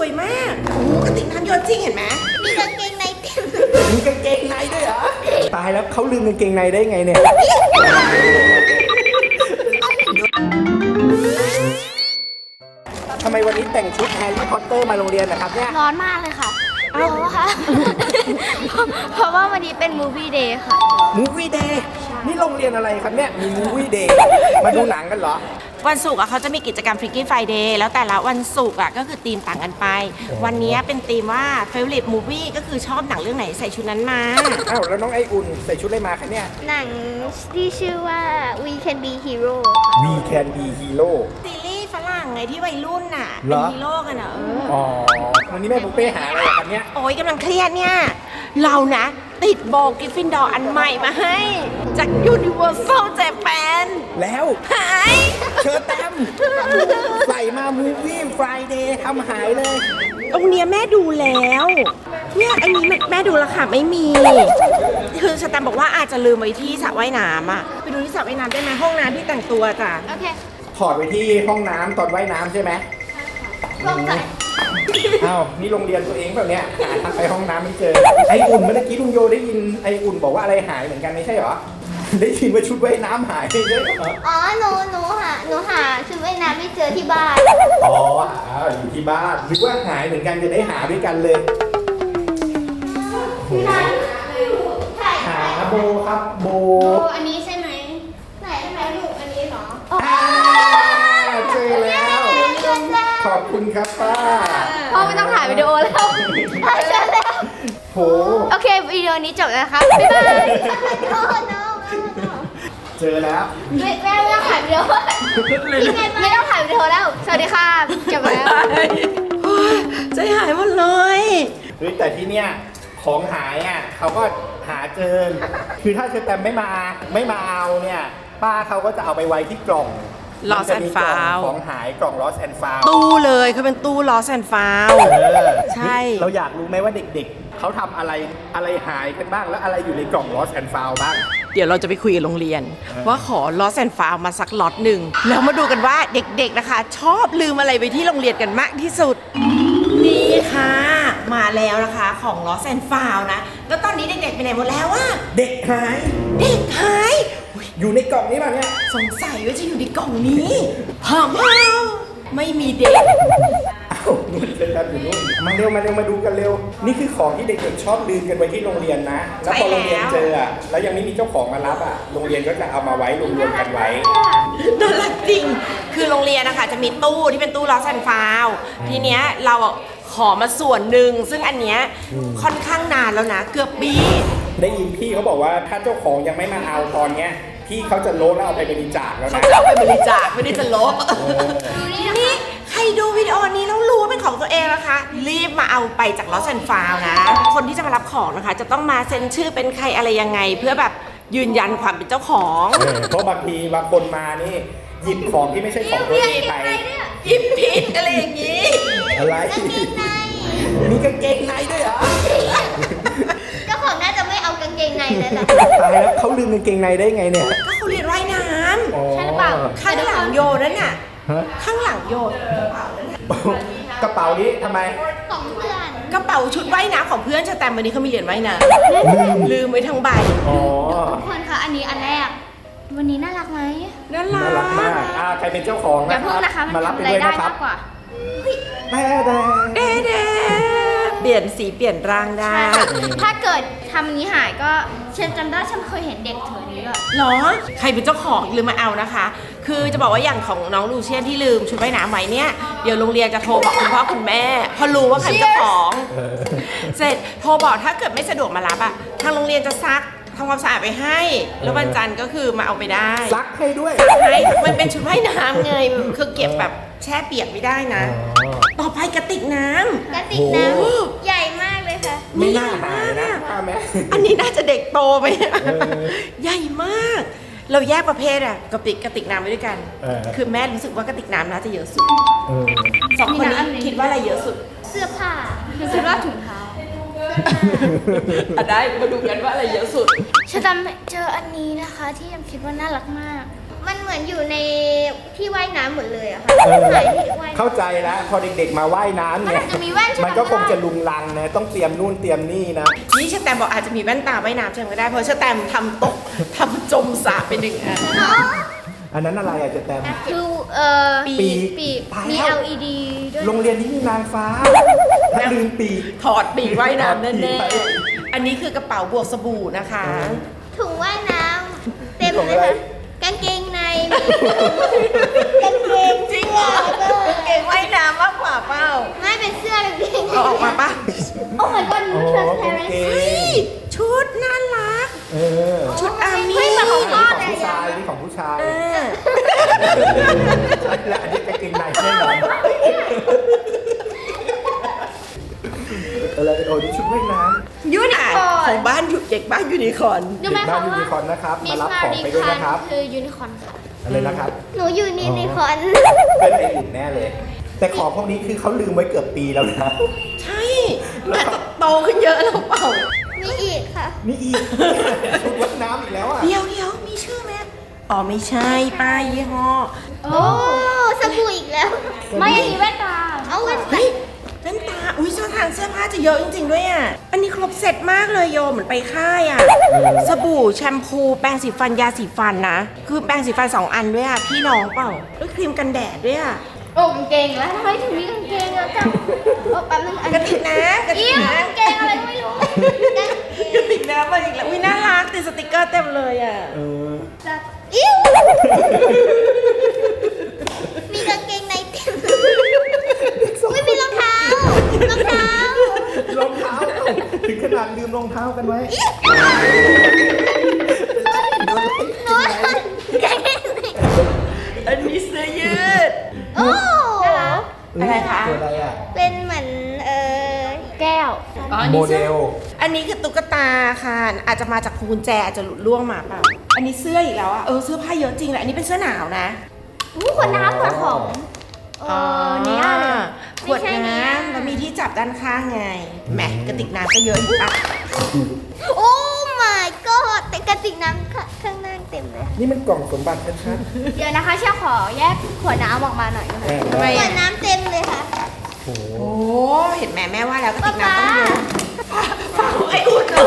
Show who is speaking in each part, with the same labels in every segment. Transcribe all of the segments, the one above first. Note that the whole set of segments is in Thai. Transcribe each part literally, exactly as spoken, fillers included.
Speaker 1: วยมากโอ้กระติกน้ำโยนจริงเห็นไหม
Speaker 2: มีกางเกงในเต็ม
Speaker 3: มีกางเกงในด้วยเหรอตายแล้วเขาลืมกางเกงในได้ไงเนี่ยทำไมวันนี้แต่งชุดแฮร์รี่พอตเตอร์มาโรงเรียนนะครับเนี่ย
Speaker 2: ร้อนมากเลยค่ะเพราะว่าเพราะว่าวันนี้เป็นมูฟวี่เดย์ค่ะ
Speaker 3: มูฟวี่เดย์นี่โรงเรียนอะไรครับเนี่ยมีมูฟวี่เดย์มาดูหนังกันเหรอ
Speaker 1: วันศุกร์อะเขาจะมีกิจกรรม Freaky Friday แล้วแต่ละวันศุกร์อะก็คือธีมต่างกันไปวันนี้เป็นธีมว่า Favorite Movie ก็คือชอบหนังเรื่องไหนใส่ชุดนั้นมา
Speaker 3: อ้าวแล้วน้องไออุ่นใส่ชุดอะไรมาคะเนี่ย
Speaker 2: หนังที่ชื่อว่า We Can Be Hero
Speaker 3: We Can Be Hero
Speaker 1: ซีรีส์ฝรั่งไงที่วัยรุ่นน่ะเป็นฮีโร่กันอะเออ
Speaker 3: อ๋อวันนี้แม่ปุ๊กเป้หาอะไรกันเนี่ย
Speaker 1: โอ้ยกำลังเครียดเนี่ยเรานะติดโบกิฟฟินดอร์อันใหม่มาให้จาก Universal Japan
Speaker 3: แล้ว
Speaker 1: หาย
Speaker 3: เชิญแต้มใส่มามูฟวี่ Friday ทำหายเลย
Speaker 1: ตรงเนี้ยแม่ดูแล้วเนี่ยอันนี้แม่ดูแล้วค่ะไม่มีคือสแตมบอกว่าอาจจะลืมไว้ที่สระว่ายน้ำอ่ะไปดูที่สระว่ายน้ำได้ไหมห้องน้ำที่แต่งตัวจ้ะ
Speaker 2: โอเค
Speaker 3: ถอดไปที่ห้องน้ำตอนว่ายน้ำใช่ไหม
Speaker 2: ลงใจ
Speaker 3: อ้าวนี่โรงเรียนตัวเองแบบเนี้ยหาทางไปห้องน้ำไม่เจอไออุ่นเมื่อกี้ลุงโยได้ยินไออุ่นบอกว่าอะไรหายเหมือนกันไม่ใช่เหรอได้ยินว่าชุดว่ายน้ำหายใช่ไหม
Speaker 2: อ๋อหนูหนูหาหนูหาชุดว่ายน้ำไม่เจอที่บ้าน
Speaker 3: อ๋ออยู่ที่บ้านนึกว่าหายเหมือนกันจะได้หาด้วยกันเลยหาโบครับโบ
Speaker 2: อันนี้ใช่ไหมไหนใช่ไหมลูกอันนี้เหรอ
Speaker 3: เจอแล้วขอบคุณครับป้า
Speaker 2: พ่อไม่ต้องถ่ายวิดีโอแล้วเจอแล้ว
Speaker 3: โห
Speaker 2: โอเควิดีโอนี้จบแล้วครับบ๊ายบาย
Speaker 3: เจอแล้ว
Speaker 2: ไม่แม่ไม่ต้องถ่ายวิดีโอไม่ต้องถ่ายวิดีโอแล้วสวัสดีค่ะจบแล้ว
Speaker 1: ใจหายหมดเลย
Speaker 3: เฮ้ยแต่ที่เนี้ยของหายอ่ะเขาก็หาเจอคือถ้าเชอแตมไม่มาไม่มาเอาเนี่ยป้าเขาก็จะเอาไปไว้ที่กล่อง
Speaker 1: Lost and Found
Speaker 3: ของหายกล่อง Lost and Found
Speaker 1: ตู้เลยเขาเป็นตู้ Lost and Found ใช่
Speaker 3: เราอยากรู้ไหมว่าเด็กๆเขาทำอะไรอะไรหายกันบ้างแล้วอะไรอยู่ในกล่อง Lost and Found บ้าง
Speaker 1: เดี๋ยวเราจะไปคุยกับโรงเรียนว่าขอ Lost and Found มาสักล็อตหนึ่งแล้วมาดูกันว่าเด็กๆนะคะชอบลืมอะไรไปที่โรงเรียนกันมากที่สุดนี่ค่ะมาแล้วนะคะของ Lost and Found นะแล้วตอนนี้เด็กๆไปไหนหมดแล้วอะ
Speaker 3: เด็กหาย
Speaker 1: เด็กหาย
Speaker 3: อยู่ในกล่องนี้ป่ะเนี่ย
Speaker 1: สงสัยว่าจะอยู่ในกล่องนี้พามพาวไม่มีเด็ก
Speaker 3: อ้าวนู่นเป็นกันอยู่นู่นมาเร็วมาเร็วมาดูกันเร็วนี่คือของที่เด็กๆชอบลืมกันไว้ที่โรงเรียนนะแล้วพอโรงเรียนเจออ่ะแล้วยังไม่มีเจ้าของมารับอ่ะโรงเรียนก็จะเอามาไว้รวมๆกันไว้
Speaker 1: น่ารักจริงคือโรงเรียนนะคะจะมีตู้ที่เป็นตู้Lost and Foundทีเนี้ยเราขอมาส่วนหนึ่งซึ่งอันเนี้ยค่อนข้างนานแล้วนะเกือบปี
Speaker 3: ได้ยินพี่เขาบอกว่าถ้าเจ้าของยังไม่มาเอาตอนเนี้ยพี่เขาจะลบแล้วเอาไปบริจาคแล้วนะ
Speaker 1: เขาจะเอาไปบริจาคไม่ได้จะลบนี่ใครดูวิดีโอนี้แล้วรู้ว่าเป็นของตัวเองนะคะรีบมาเอาไปจาก Lost and Found นะคนที่จะมารับของนะคะจะต้องมาเซ็นชื่อเป็นใครอะไรยังไงเพื่อแบบยืนยันความเป็นเจ้าของ
Speaker 3: เพราะบางทีบางคนมานี่หยิบของที่ไม่ใช่ของตัวเองไป
Speaker 1: หยิบผิดอะไรอย่างนี้
Speaker 3: อะไรมีกางเกงในด้วยเหรอ
Speaker 2: เจ้าของน่าจะไม่เอากางเกงในแล้วล่ะ
Speaker 3: ตายแล้วเขาลืมกางเกงในได้ไงเนี่ย
Speaker 1: ก็เขาเรียนว่ายน้
Speaker 2: ำใช่หรือเปล่า
Speaker 1: ข้างหลังโยนั่นน่ะข้างหลังโยน
Speaker 3: กระเป๋านี้ทำไม
Speaker 2: ของเพื่อน
Speaker 1: กระเป๋าชุดว่ายน้ำของเพื่อนชาแตมวันนี้เขามีเรียนว่ายน้ำลืมไว้ทั้งใบ
Speaker 2: ทุกคนคะอันนี้อันแรกวันนี้น่ารักไหม
Speaker 1: น่ารัก
Speaker 3: น่ารักมากอ่าใครเป็นเจ้าของ
Speaker 2: อย่าเพิ่งนะคะ
Speaker 3: มารับไปด้วยนะครับ
Speaker 2: แด้
Speaker 3: แด้
Speaker 1: แด้แด้เปลี่ยนสีเปลี่ยนร่างได้
Speaker 2: ถ้าเกิดทำนี้หายก็เชนจำได้ฉันเคยเห็นเด็กถือนี้ด้วย
Speaker 1: หรอใครเป็นเจ้าของลืมมาเอานะคะคือจะบอกว่าอย่างของน้องลูเชียนที่ลืมชุดว่ายน้ำไว้เนี่ยเดี๋ยวโรงเรียนจะโทรบอกคุณพ่อคุณแม่พอรู้ว่าใครเป็นเจ้าของเสร็จโทรบอกถ้าเกิดไม่สะดวกมารับอ่ะทางโรงเรียนจะซักทำความสะอาดไปให้แล้ววันจันทร์ก็คือมาเอาไปได้
Speaker 3: ซักให้ด้วย
Speaker 1: ซักให้มันเป็นชุดว่ายน้ำไงคือเก็บแบบแช่เปียกไม่ได้นะต่อไปกระติกน้
Speaker 2: ำกระติกน้ำใหญ่มากเลยค่ะ
Speaker 3: ไม่น่าหายนะ
Speaker 1: อันนี้น่าจะเด็กโตไปใหญ่มากเราแยกประเภทอะกระติกกระติกน้ำไว้ด้วยกันคือแม่รู้สึกว่ากระติกน้ำน่าจะเยอะสุดสองคนนี้คิดว่าอะไรเยอะสุด
Speaker 2: เสื้อผ้าเสื้อผ้าถุงเท้า
Speaker 1: ได้มาดูกันว่าอะไรเยอะสุด
Speaker 2: ฉันจำเจออันนี้นะคะที่ยังคิดว่าน่ารักมากมันเหมือนอยู่ในที่ว่ายน้ำหมดเลยอะค่ะ
Speaker 3: เออ
Speaker 2: หายที่ว่ายน้ำ
Speaker 3: เข้าใจแล้วพอเด็กๆมาว่ายน้ำเนี่ย
Speaker 2: มันอาจจะมีแว่นใช่ไหม
Speaker 3: มันก็คงจะลุงลังนะต้องเตรียมนู่นเตรียมนี่นะ
Speaker 1: นี่ชแตมบอกอาจจะมีแว่นตาว่ายน้ำใช่ไหมก็ได้เพราะชแตมทำตกทำจมสระไปหนึ่งอัน
Speaker 2: อ๋อ
Speaker 3: อันนั้นอะไรอะจะแตม
Speaker 2: คือเอ่อ
Speaker 3: ปีก
Speaker 2: ปีก
Speaker 3: ไป
Speaker 2: มี
Speaker 3: แล้ว
Speaker 2: แอล อี ดี ด้วย
Speaker 3: โรงเรียนนี้มีนางฟ้าถ้าลืมปีก
Speaker 1: ถอดปีกว่ายน้ำ
Speaker 3: ถอดปี
Speaker 1: แน่
Speaker 3: กไป
Speaker 1: ๆอันนี้คือกระเป๋าบวกสบู่นะคะ
Speaker 2: ถุงว่ายน้ำเต็ม
Speaker 3: ของ
Speaker 2: เล
Speaker 3: อะ
Speaker 2: ย
Speaker 3: ไร
Speaker 2: ค่ะกางเกงในกางเกง
Speaker 1: จริงเหรอ เก่งว่ายน้ำมากกว่าเปล่า
Speaker 2: ไม่เป็นเสื้อกางเกงใน
Speaker 1: เอาออกมาปะ
Speaker 2: โอ้ my god
Speaker 3: อ๋อ
Speaker 2: transparent
Speaker 3: โอเค
Speaker 1: เฮ้ยชุดน่ารัก
Speaker 3: เออ
Speaker 1: ชุดอาร์มี่
Speaker 2: เฮ้ยเหมือนของพ่อ
Speaker 3: อัน
Speaker 2: เล
Speaker 3: นี้
Speaker 2: ย
Speaker 3: ของผู้ชาย
Speaker 2: อะ
Speaker 3: นี่ของผู้ชาย
Speaker 1: เออ
Speaker 3: ใช่แล้วอันนี้กางเกงในแน่นอนอะไรโอ้นี่ชุดว่ายน้ำ
Speaker 1: ยูนิคอร์นของบ้านอยู่เด็กบ้านยูนิคอร์น
Speaker 2: รู้ไหม
Speaker 3: เด็กบ้า
Speaker 2: คะ
Speaker 3: นยูนิคอร์นนะครับ
Speaker 2: มิ
Speaker 3: มา
Speaker 2: ส
Speaker 3: รับ
Speaker 2: มา
Speaker 3: ของ
Speaker 2: ริ
Speaker 3: ไปด้วย
Speaker 2: คัน
Speaker 3: นะครับ
Speaker 2: คือยูนิคอร์นค่ะ
Speaker 3: อะไรนะครับ
Speaker 2: หนูอยู่ยูนิคอร์น
Speaker 3: เป็นไออุ่นแน่เลย แต่ของพวกนี้คือเขาลืมไว้เกือบปีแล้วนะ
Speaker 1: ใช่แต่โตขึ้นเยอะแล้วเปล่า
Speaker 2: มีอีกค่ะ
Speaker 3: นี่อีก ชุดว่ายน้ำอีกแล้วอ่ะ
Speaker 1: เดี๋ยวเดี๋ยวมีชื่อไหมอ๋อไม่ใช่ป้ายยี่ห้อ
Speaker 2: โอ้สบู่อีกแล้ว ไม่อันนี้แว่นตา เอาแว่นตา
Speaker 1: เฮ้ยแว่นตา อุ้ยเสื้อทางเสื้อผ้าจะเยอะจริงๆด้วยอ่ะ อันนี้ครบเสร็จมากเลยโยเหมือนไปค่ายอ่ะ สบู่แชมพู แปรงสีฟัน ยาสีฟันนะ คือแปรงสีฟันสองอันด้วยอ่ะ พี่น้องเปล่าแล้วครีมกันแดดด้วยอ่ะ
Speaker 2: โอ้กางเกงแล้วทำไมถึงมีกางเกงอะจังโอ้แป๊บนึงอัน
Speaker 1: กระติกน้ำกระติ
Speaker 2: อิ่
Speaker 1: ก
Speaker 2: ว
Speaker 1: น้
Speaker 2: กางเกงอะไรก็ไม่รู้
Speaker 1: ำกระติกน้ำมาอีกแล้ว อุ้ยน่ารักติดสติกเกอร์เต็มเลยอ่ะ
Speaker 3: เออ
Speaker 2: อิ่วมีกางเกงในเต็มไม่มีรองเท้ารองเท้าร
Speaker 3: องเท้าถึงขนาดลืมรองเท้ากันไว้
Speaker 2: หนูกางเกงใน
Speaker 1: อันนี้เสื้อยืด
Speaker 2: โอ้
Speaker 1: อะไรคะ
Speaker 3: ตัวอะไรอ่ะ
Speaker 2: เป็นเหมือนเออแก้ว
Speaker 1: อ๋ออัน
Speaker 3: โม
Speaker 1: นี้
Speaker 3: เด
Speaker 1: เสื้อ
Speaker 3: ล
Speaker 1: อันนี้คือตุ๊กตาค่ะ อาจจะมาจากพวงกุญแจอาจจะหลุดล่วงมาเปล่า อันนี้เสื้ออีกแล้วอะเออเสื้อผ้าเยอะจริงแหละอันนี้เป็นเสื้อหนาวนะ
Speaker 2: อู้ขวดน้ำขวดของเออเนี่ยเลย
Speaker 1: ขวด
Speaker 2: ไม่ใช่เนี่
Speaker 1: น้
Speaker 2: ย
Speaker 1: ำแล้วมีที่จับด้านข้างไงแหมกระติกน้ำก็เยอะอีกปะ
Speaker 2: โอ้ my god แต่กระติกน้ำข้ข้างหน้าเต็มเลย
Speaker 3: นี่มันกล่องสมบัติชัด
Speaker 2: เดี๋ยวนะคะเชี่ยวขอแยกขวดน้ำออกมาหน่อยนะ
Speaker 3: ๆ
Speaker 2: คะ
Speaker 3: แม่
Speaker 1: ทำไม
Speaker 2: ขว
Speaker 1: อะ
Speaker 2: ดน้ำเต็มเลยค่ะ
Speaker 3: โอ้โห
Speaker 1: โอ้เห็นแม่แม่ว่าแล้วกระติกน้ำ
Speaker 2: ป๊า
Speaker 1: ต้อง
Speaker 2: ป๊า
Speaker 1: เยอะฝากไอ้อุ่นเหรอ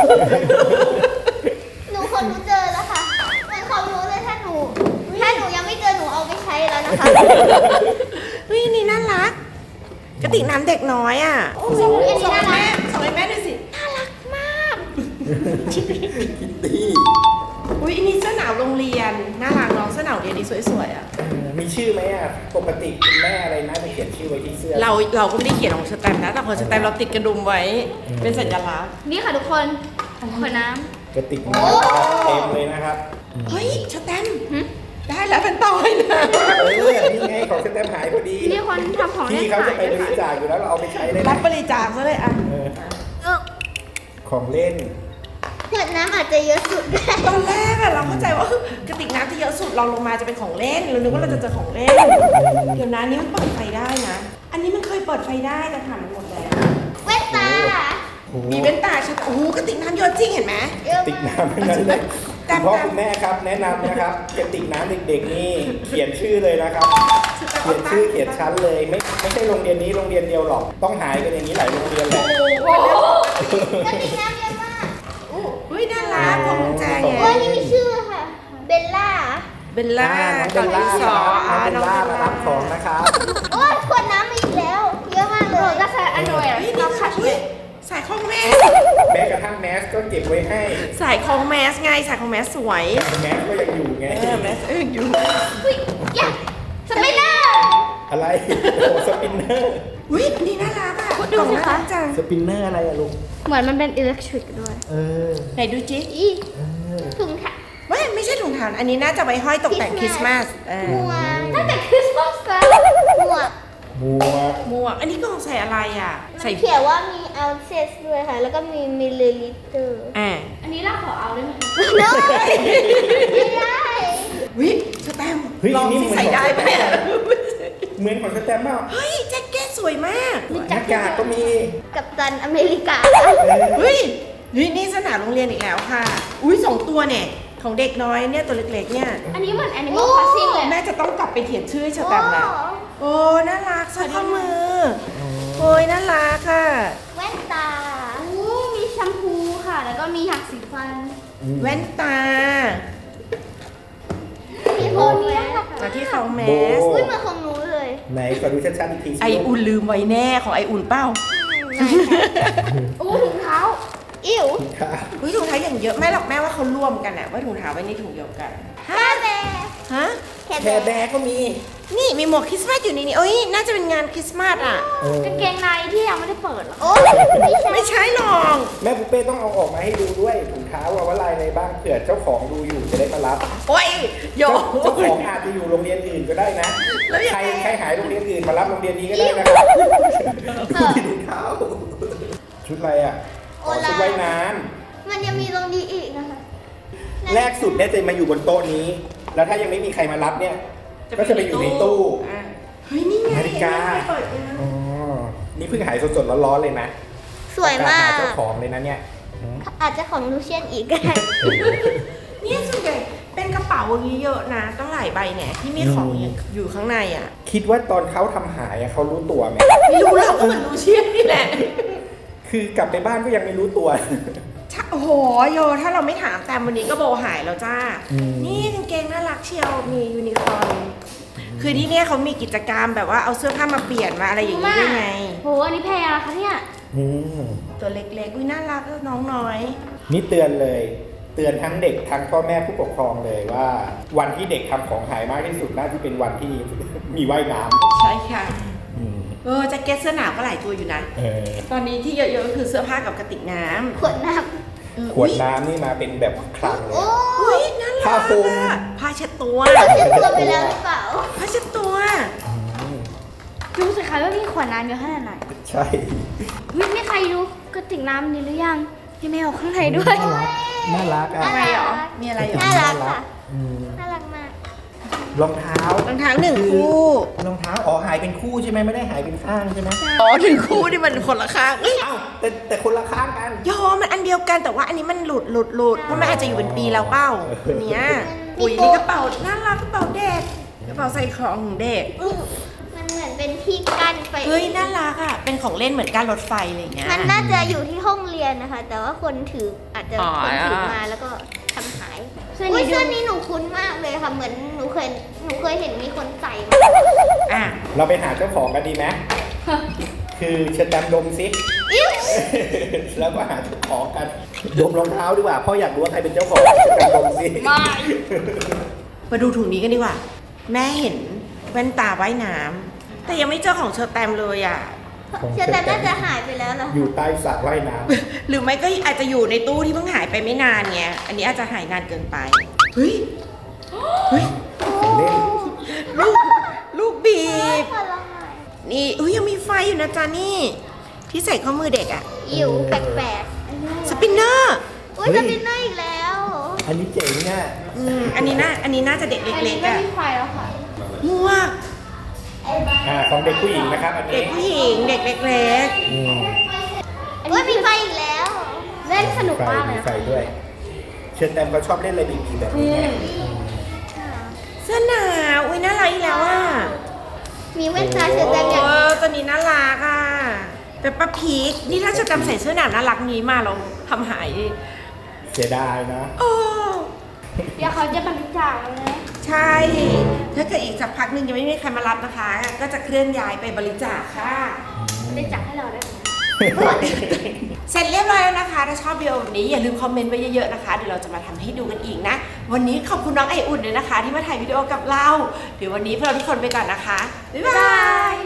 Speaker 2: หนูคนรู้เจอแล้วค่ะเหมือนเขารู้เลยถ้าหนู ถ้าหนูยังไม่เจอหนูเอาไปใช้แล้วนะคะ
Speaker 1: เฮ้ยนี่น่ารัก กระติกน้ำเด็กน้อยอ่ะ
Speaker 2: โอ้โหอันนี้
Speaker 1: ส่ง
Speaker 2: น่า
Speaker 1: ให้
Speaker 2: รั
Speaker 1: แม่
Speaker 2: ก
Speaker 1: ส่งให้แม่ดูสิ
Speaker 2: น่ารักมาก
Speaker 3: คิตตี้
Speaker 1: อุ้ยอันนี้เสื้อหนาวโรงเรียนน่ารักเน้องเสื้อหนาวเรียนนี่สวยๆอ่ะ
Speaker 3: เออมีชื่อไหมอ่ะ ปกติคุณแม่อะไรน่าจะเขียนชื่อไว้ที่เสื้อ
Speaker 1: เราเราก็ไม่ได้เขียนของสแตมป์นะแต่ของสแตมป์เราติดกระดุมไว้ เป็นสัญลักษณ์
Speaker 2: นี่ค่ะทุกคนขวดน้
Speaker 3: กระติกน้ำนะครับเต็มเลยนะครับ
Speaker 1: เฮ้ยสแตมป์ได้แล้วเป็นต่อยนะ
Speaker 3: เออ นี่ไงของสแตมป์หายพอดี
Speaker 2: ำนี่คนทำของเล่น
Speaker 3: พี่เขาจะ
Speaker 2: ขาย
Speaker 3: ไปบริจาคอยู่แล้วเราเอาไปใช้เลย
Speaker 1: รั
Speaker 3: นะ
Speaker 1: บบริจาคซะเลยอ่ะ
Speaker 3: เออ
Speaker 2: เออ
Speaker 3: ของเล่น
Speaker 2: ขวดน้ำอาจจะเยอะสุดได้
Speaker 1: ตอนแรกอะเราเข้าใจว่ากระติกน้ำที่เยอะสุดเราลงมาจะเป็นของเล่นเรานึกว่าเราจะเจอของเล่น เดี๋ยวนะอันนี้มันเปิดไฟได้นะ อันนี้มันเคยเปิดไฟได้แต่ผ่านมันหมดแล้ว
Speaker 2: แว่นตา
Speaker 3: โอ้โห
Speaker 1: มีเว้นตาชัดโอ้โหกระติกน้ำเยอะจริงเห็นไหม
Speaker 2: เยอะ
Speaker 3: ติก
Speaker 2: มาก
Speaker 3: น้ำทั้งนั้นเลย
Speaker 1: แต่
Speaker 3: คุณพ่อ
Speaker 1: แต่
Speaker 3: คุณแม่ครับแนะนำนะครับกระติกน้ำเด็กๆนี่เขียนชื่อเลยนะครับ เขียนชื่อเขียนชั้นเลยไม่ไม่ใช่โรงเรียนนี้โรงเรียนเดียวหรอก ต้องหายกันอย่างนี้หลายโรงเรียนแหละ
Speaker 2: โอ้โหกระติกน้ำเยอะมาก
Speaker 1: เฮ้ยน่ารักของกุญแจไง
Speaker 2: โอ้ยนี่มีชื่อค่ะ เบลล่า
Speaker 1: เบลล่า
Speaker 3: น้องเบลล่า
Speaker 1: ที่สอง
Speaker 3: น้องเบลล่า
Speaker 1: น้
Speaker 3: มา
Speaker 1: อง
Speaker 3: รับของนะครับ
Speaker 2: โอ้ยขวดน้ำมาอีกแล้ว เยอะมากเลยก็ใช้อันโดย
Speaker 1: เฮ้ยนี่ค่ะเฮ้ยสายคล้องแมส
Speaker 3: แม้กระทั่งแมสก็เก็บไว้ให้
Speaker 1: สายคล้องแมสไงสายคล้องแมสสวย
Speaker 3: แมสก็ยังอยู่ไง
Speaker 1: เออแมสเอออยู่
Speaker 2: อุ้ยแย่สไปเดอร์
Speaker 3: อะไร โอ้สปินเนอร์
Speaker 1: อุ้ยอันนี่น่ารักอ่ะ
Speaker 2: ดูสิคะ
Speaker 1: กล่องน่ารักจัง
Speaker 3: สปินเนอร์อะไรอะลุง
Speaker 2: เหมือนมันเป็นอิเล็กทริกด้วย
Speaker 3: เออ
Speaker 1: ไหนดูจิ๊
Speaker 2: อี
Speaker 3: เออ
Speaker 2: ถุงค่ะ
Speaker 1: ไม่ไม่ใช่ถุงเท้าอันนี้น่าจะไว้ห้อยตกแต่งคริสต์มาสเอ
Speaker 2: หม
Speaker 1: อ
Speaker 2: วกตั้งแต่คริสต์มาสแล้วหมวก
Speaker 3: หมวก
Speaker 1: หมวกอันนี้กล่องใส่อะไรอ่ะ ใส่
Speaker 2: เขียนว่ามี ounces ด้วยค่ะ แล้วก็มี milliliter
Speaker 1: อ่า
Speaker 2: อันนี้เราขอเอาได้ไหมคะไม่ได้
Speaker 1: วิสแตมป์
Speaker 3: เฮ้ย
Speaker 1: ลอง
Speaker 3: นี่
Speaker 1: ที่
Speaker 3: เหมือน
Speaker 1: ใส่ได้ไหมอะ
Speaker 3: เหมือนของสแตมป์เปล่า
Speaker 1: เฮ้ยแจ็คเก็ตสวยมาก
Speaker 3: หน้ากากก็มี
Speaker 2: กับตันอเมริกา
Speaker 3: เออ
Speaker 1: เฮ้ยนี่นี่สนามโรงเรียนอีกแล้วค่ะ อุ้ยสองตัวเนี่ยขของเด็กน้อยเนี่ยตัวเล็กๆเนี่ย
Speaker 2: อันนี้เหมือน Animal Crossing เลย
Speaker 1: แม่จะต้องกลับไปเขียนชื่อให้เชอแตมนะโอ้น่ารักสร้อยข้อมือโอ้ยน่ารักค่ะ
Speaker 2: แว่นตาอู้มีแชมพูค่ะ แล้วก็มีหักสีฟัน
Speaker 1: แว่นตา
Speaker 2: มีโพเนี้ยค่ะ
Speaker 1: จากที่เขาแมส
Speaker 2: อุ้ยเหมือนของหนูเลย
Speaker 3: ไหนขอดูชัดๆอีกทีสิ
Speaker 1: ไออุ่นลืมไว้แน่ของไออุ่นเป้า
Speaker 2: อู้ถุงเท้า อิ๋ว
Speaker 3: ค่ะ
Speaker 1: อุ้ยถุงเท้าอย่างเยอะแม่หรอกแม่ว่าเขารวมกันอะว่าถุงเท้าไว้ในถุงเดียวกัน
Speaker 2: แค่แบร์
Speaker 1: ฮะ
Speaker 2: แค่
Speaker 3: แคร์
Speaker 2: แบ
Speaker 3: แบ
Speaker 2: ร์
Speaker 3: ร์ก็มี
Speaker 1: นี่มีหมวกคริสต์มาสอยู่ในนี้เอ้ยน่าจะเป็นงานคริสต์มาสอะ
Speaker 3: เออก
Speaker 2: างเกงในที่ยังไม่ได้เปิดหรอโอ้ไม่ใช่
Speaker 1: ไม่ใช่หรอก
Speaker 3: แม่ปุ๊เป้ต้องเอาออกมาให้ดูด้วยถุงเท้าว่าว่าลายอะไรบ้างเผื่อเจ้าของดูอยู่จะได้มารับ
Speaker 1: โอ้ยโย
Speaker 3: เจ้าของอาจจะอยู่โรงเรียนอื่นก็ได้นะ
Speaker 1: แล้วยัง
Speaker 3: ใคร
Speaker 1: ไง
Speaker 3: ใครหายโรงเรียนอื่นมารับโรงเรียนนี้ก็ได้นะครับดูที่ถุงเท้าชุดอะไรอ่ะอ๋อชุดว่ายน้
Speaker 2: มันยังมีตรงนี้อีกนะคะ
Speaker 3: ำแรกสุดเนี่ยจะมาอยู่บนโต๊ะนี้ แล้วถ้ายังไม่มีใครมารับเนี่ย ก็จะไปอยู่ในตู้
Speaker 1: อ่ะเฮ้ยนี่ไง
Speaker 3: นาฬิกา
Speaker 1: ไม่เปิดเลยนะ
Speaker 3: อ๋อนี่เพิ่งหายสดๆร้อนๆเลยนะ
Speaker 2: สวยมา
Speaker 3: หาก เจ้าของเลยนะเนี่ย
Speaker 2: อาจจะของลูเชียนอีกก็ได้
Speaker 1: เนี่ยส่วนใหญ่เป็นกระเป๋าอย่างนี้เยอะนะตั้งหลายใบเนี่ยที่มีของอยู่ข้างในอ่ะ
Speaker 3: คิดว่าตอนเขาทำหายอะเขารู้ตัวไหม
Speaker 1: ไม่รู้เราก็เหมือนลูเชียนนี่แหละ
Speaker 3: คือกลับไปบ้านก็ยังไม่รู้ตัว
Speaker 1: ถ้าโอ้โหโยถ้าเราไม่ถามแต่วันนี้ก็โบหายแล้วจ้า
Speaker 3: อืม
Speaker 1: นี่กางเกงน่ารักเชียวมียูนิคอร์นคือที่เนี่ยเขามีกิจกรรมแบบว่าเอาเสื้อผ้ามาเปลี่ยนมาอะไรอย่างนี้ด้วยไง
Speaker 2: โห อันนี้แพงอะคะเนี่ย
Speaker 3: อืม
Speaker 1: ตัวเล็กๆอุ้ยน่ารักน้องน้อย
Speaker 3: นี่เตือนเลย เตือนทั้งเด็กทั้งพ่อแม่ผู้ปกครองเลยว่า วันที่เด็กทำของหายมากที่สุดน่าจะเป็นวันที่ มีว่ายน้
Speaker 1: ใช่ค่ะ
Speaker 3: ำอืม
Speaker 1: เออแจ็คเก็ตเสื้อหนาวก็หลายตัวอยู่นะ
Speaker 3: เออ
Speaker 1: ตอนนี้ที่เยอะๆก็คือเสื้อผ้ากับกระติกน้ำ
Speaker 2: ขวดน้
Speaker 1: เออ
Speaker 3: ขวดน้ำนี่มาเป็นแบบคลัง
Speaker 2: ำ
Speaker 3: เล
Speaker 2: โอ้
Speaker 3: ย
Speaker 1: อุ้ยน่ารัก
Speaker 3: ผ้าคลุม
Speaker 1: อะผ้าเช็ดตัว
Speaker 2: เราเช็ดตัวไปแล้วหรือเปล่า
Speaker 1: ผ้าเช็ดตัว
Speaker 3: อืม
Speaker 2: ดูสิคะว่ามีขวดน้ำเยอะขนาดไหน
Speaker 3: ใช่
Speaker 2: มีมีใครดูกระติกน้ำนี้หรือยังมีแมวข้างในด้วย
Speaker 3: น่ารักอ่ะ
Speaker 1: อะไรเหรอ มีอะไรเหรอ
Speaker 2: น่ารักค่ะ
Speaker 3: อืม
Speaker 2: น่ารักมาก
Speaker 3: รองเท้าร
Speaker 1: องเท้าหนึ่งคู่
Speaker 3: รองเท้าอ๋อหายเป็นคู่ใช่ไหมไม่ได้หายเป็นข้างใช่ไหม
Speaker 1: อ๋อหนึ่งคู่ที่มันคนละข้างเอ้ย
Speaker 3: เอ้าแต่แต่คนละข้างกัน
Speaker 1: ยอมมันอันเดียวกันแต่ว่าอันนี้มันหลุดหลุดหลุดเพราะมันอาจจะอยู่เป็นปีแล้วเปล่าอันเนี้ยอุ้ยนี่กระเป๋าน่ารักกระเป๋าเด็กกระเป๋าใส่ของของเด็ก
Speaker 2: มันเหมือนเป็นที่กั้นไป
Speaker 1: เฮ้ยน่ารักอ่ะเป็นของเล่นเหมือนการรถไฟอะไรอย่างเงี้ย
Speaker 2: มันน่าจะอยู่ที่ห้องเรียนนะคะ แต่ว่าคนถืออาจจะ
Speaker 1: อ๋อ
Speaker 2: คนถือมาแล้วก็ทำหายอุ้ยเสื้อนี้หนูคุ้นมากเลยค่ะ เหมือนหนูเคยหนูเคยเห็นมีคนใส่มา
Speaker 1: อ่ะ
Speaker 3: เราไปหาเจ้าของกันดีไหม คือเชิญดำดมซิ
Speaker 2: อิ๊ว
Speaker 3: แล้วก็หาเจ้าของกัน ดมรองเท้าดีกว่าพ่ออยากรู้ว่าใครเป็นเจ้าของเชิญดำดมซิ
Speaker 1: มาดูถุงนี้กันดีกว่า แม่เห็นแว่นตาว่ายน้ำแต่ยังไม่เจอของเชอแตมเลยอ่ะ
Speaker 3: ของ
Speaker 2: เชื่อแต่น่าจะหายไปแล้วเหรอ
Speaker 3: อยู่ใต้สระว่ายน้
Speaker 1: หรือไม่ก็อาจจะอยู่ในตู้ที่เพิ่งหายไปไม่นานไงอันนี้อาจจะหายนานเกินไปเฮ้ยเฮ้ย
Speaker 3: ำของเล่น
Speaker 1: ลูกลูกบีบ
Speaker 2: ผลไม้
Speaker 1: นี่อุ้ยยังมีไฟอยู่นะจ๊ะนี่ ที่ใส่ข้อมือเด็กอะ
Speaker 2: อิ๋วแปลก
Speaker 1: สปินเนอร์
Speaker 2: ๆอุ้ยจะเป็นหน้าอีกแล้ว
Speaker 3: อันนี้เจ๋งเนี่ย
Speaker 1: อืมอันนี้น่าอันนี้น่าจะเด็กเล็กๆอะ
Speaker 2: ไฟแล้วค่ะ
Speaker 1: หมวก
Speaker 3: อ่าของเด็กผู้หญิงนะครับ อัน
Speaker 1: เด็
Speaker 3: นี้
Speaker 1: กผู้หญิงเด็กเล็ก
Speaker 3: อืม
Speaker 2: อุ้ยมีไฟอีกแล้ว เล่นสนุก
Speaker 3: ไฟ
Speaker 2: มากเล
Speaker 3: มี
Speaker 2: ย
Speaker 3: ไฟด้วย เชิญแตมเขาชอบเล่นอะไรบีๆแบบนี้ไง
Speaker 1: ๆเสื้อหนาวอุ้ยน่ารักอีกแล้วอะ
Speaker 2: มีแว่นตาเชิญ
Speaker 1: โอ้
Speaker 2: แตมอย่าง
Speaker 1: ตัวนี้น่ารักอะเป็นป้าพีคนี่ถ้าเชอแตมใส่เสื้อหนาวน่ารักนี้มาเราทำหายดิ
Speaker 3: เสียดายนะ
Speaker 1: โอ้
Speaker 2: เดี๋ยวเขาจะบริจาคแล้วนะ
Speaker 1: ใช่ ถ้าเกิดอีกสักพักหนึ่งยังไม่มีใครมารับนะคะ ก็จะเคลื่อนย้ายไปบริจาคค่ะ
Speaker 2: บริจาคให้เราได้ไหม
Speaker 1: เสร็จเรียบร้อยแล้วนะคะ ถ้าชอบวิดีโอแบบนี้อย่าลืมคอมเมนต์ไว้เยอะๆนะคะ เดี๋ยวเราจะมาทำให้ดูกันอีกนะ วันนี้ขอบคุณน้องไออุ่นเลยนะคะ ที่มาถ่ายวิดีโอกับเรา เดี๋ยววันนี้พวกเราทุกคนไปก่อนนะคะ บ๊ายบาย